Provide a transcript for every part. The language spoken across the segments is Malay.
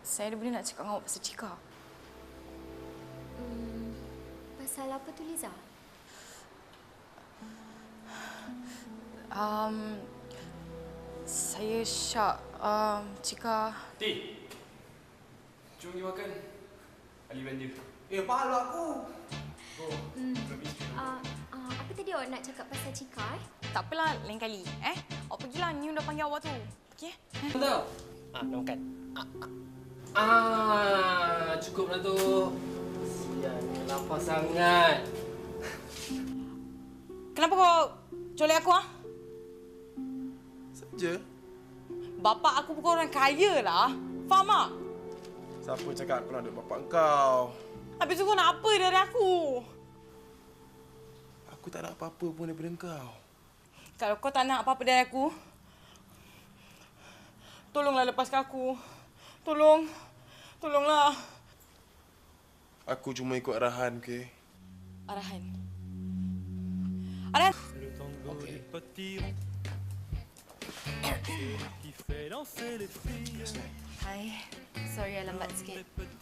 Saya ada benda nak cakap dengan awak pasal Cika. Pasal apa tu, Liza? Saya Syak. Cika... Ti! Jom pergi makan. Ali belanja. Pahala aku. Apa tadi awak nak cakap pasal Cika, Tak apalah, lain kali. Awak pergilah, Niu dah panggil awak tu. Pergi, Tahu? Dah makan. Cukup dah tu. Sial, lapar sangat. Kenapa kau colek aku, Saja. Bapak aku bukan orang kaya lah. Faham tak? Siapa cakap aku nak duduk bapak kau? Habis tu kau nak apa dari aku? Aku tak nak apa-apa pun daripada kau. Kalau kau tak nak apa-apa dari aku, tolonglah lepaskan aku. Tolonglah. Aku cuma ikut arahan, okey? Arahan. Okey. Hai. Sorry, lambat sikit.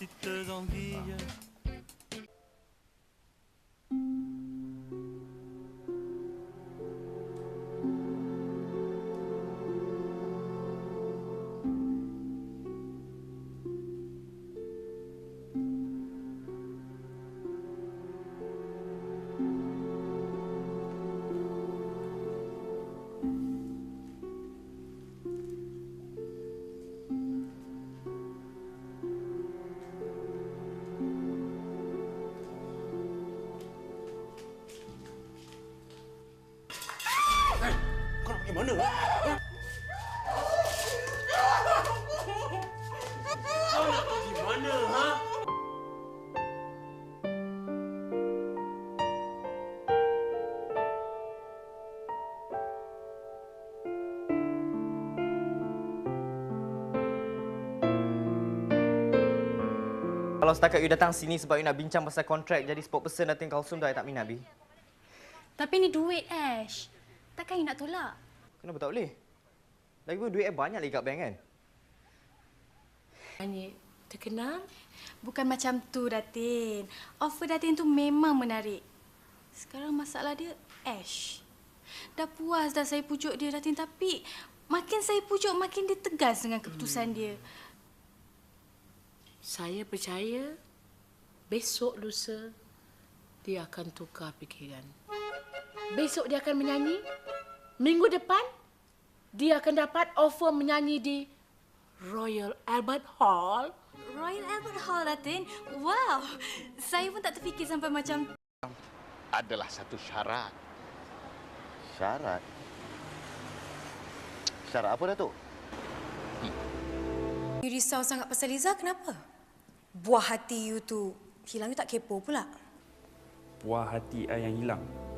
Kau nak pergi mana? Kau nak pergi mana, ha? Kalau setakat you datang sini sebab you nak bincang pasal kontrak jadi spokesperson Datin Kalsum dah tak minat, Bi. Tapi ni duit, Ash. Takkan you nak tolak? Kenapa tak boleh? Lagipun duit banyak lagi kat bank kan? Hanya terkenal? Bukan macam tu, Datin. Offer Datin tu memang menarik. Sekarang masalah dia, Ash. Dah puas dah saya pujuk dia, Datin. Tapi makin saya pujuk, makin dia tegas dengan keputusan dia. Saya percaya besok lusa dia akan tukar fikiran. Besok dia akan menyanyi. Minggu depan dia akan dapat offer menyanyi di Royal Albert Hall. Royal Albert Hall, Datin. Wow. Saya pun tak terfikir sampai macam Adalah satu syarat. Syarat? Syarat apa, Datuk? You risau sangat pasal Liza, kenapa? Buah hati you tu hilang, you tak kepo pula. Buah hati I yang hilang.